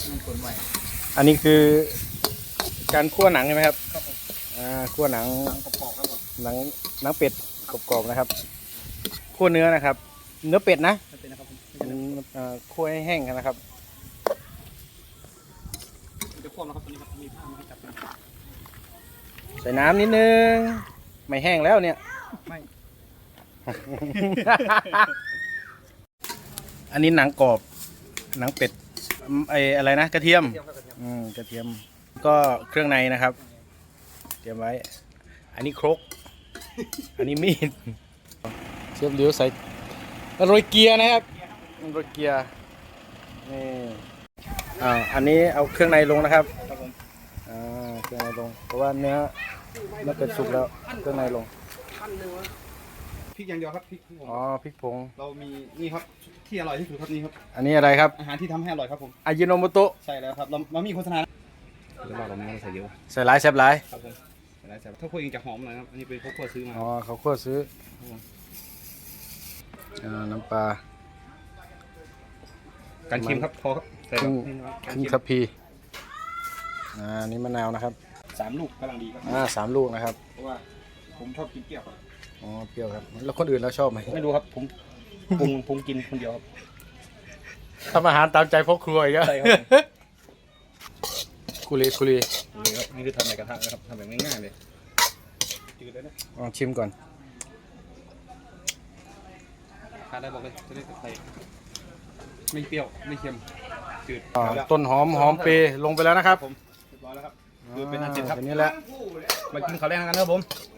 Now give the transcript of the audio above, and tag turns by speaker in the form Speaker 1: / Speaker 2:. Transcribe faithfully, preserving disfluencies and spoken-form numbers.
Speaker 1: คนใหม่
Speaker 2: อันนี้คือการคั่วหนังใช่ไหมครับ
Speaker 1: ครับผม
Speaker 2: อ่าคั่วหนัง
Speaker 1: หนังกรอบๆครับผม
Speaker 2: หนังหนังเป็ดกรอบๆนะครับคั่วเนื้อนะครับ เนื้อเป็ดนะ
Speaker 1: เป็นนะครับผม
Speaker 2: อ่าคั่วให้แห้งนะครับ
Speaker 1: จะควบนะครับตัวนี้ครับมีผ้ามาจับ
Speaker 2: ใส่น้ำนิดนึงไม่แห้งแล้วเนี่ย
Speaker 1: ไม่
Speaker 2: อันนี้หนังกรอบหนังเป็ดไออะไรนะกระเทียมอืมกระเทียมก็เครื่องในนะครับเตรียมไว้ อันนี้ครก อันนี้มีดเชฟเลี้ยวใส่โรยเกียร์นะครับโรยเกียร์นี่อ่าอันนี้เอาเครื่องในลงนะครับ
Speaker 1: ครับผม
Speaker 2: อ่าเครื่องในลงเพราะว่าเนื้อเนื้อเป็ดสุกแล้วเครื่องในลง
Speaker 1: พริกอย่างเดียวครับพริก
Speaker 2: อ๋อพริกผง
Speaker 1: เรามีนี่ครับที่อร่อยที่สุดครับนี่ครับ
Speaker 2: อันนี้อะไรครับ
Speaker 1: อาหารที่ทำให้อร่อยครับผม
Speaker 2: อายิโนโมโตะ
Speaker 1: ใช่แล้วครับเราเรามีโฆษณาหรือว่าเราไม่ใส่เยอะ
Speaker 2: ใส่หลายแซ่บหลาย
Speaker 1: ครับผมใส่หลายแซ่บถ้าคุยกันจะหอมหน่อยครับอันนี้เป็นเขาคั่วซื้อมา
Speaker 2: อ๋อเขาคั่วซื้ออ่าน้ำปลา
Speaker 1: การเค็มครับพอครับใส่
Speaker 2: ครึ่งครึ่งทัพพีอ่านี่มะนาวนะครับ
Speaker 1: สามลูกกำลังดีครับ
Speaker 2: อ่าสามลูกนะครับ
Speaker 1: เพราะว่าผมชอบกินเปรี้ยว
Speaker 2: อ๋อเปรี้ยวครับแล้วคนอื่นเราชอบไหม
Speaker 1: ไม่รู้ครับผมปรุงปรุงกินคนเดียวครับ
Speaker 2: ทำอาหารตามใจพ่อครัวอีกแล้ว
Speaker 1: ใช่ครับ
Speaker 2: คุรีคุรี
Speaker 1: นี่ครับนี่คือทำในกระทะนะครับทำแบบง่ายๆเลยจืดเลยนะ
Speaker 2: ลองชิมก่อน
Speaker 1: ทานได้บอกเลยจะได้ใส่ไม่เปรี้ยวไม่เค็มจืด
Speaker 2: ต้นหอมหอมเปรย์ลงไปแล้วนะครับ
Speaker 1: ผมเรียบร้อยแล้วครับคือเป็นอันเสร็จครับ
Speaker 2: อันนี้แหละ
Speaker 1: มากินข้าวแรงกันครับผม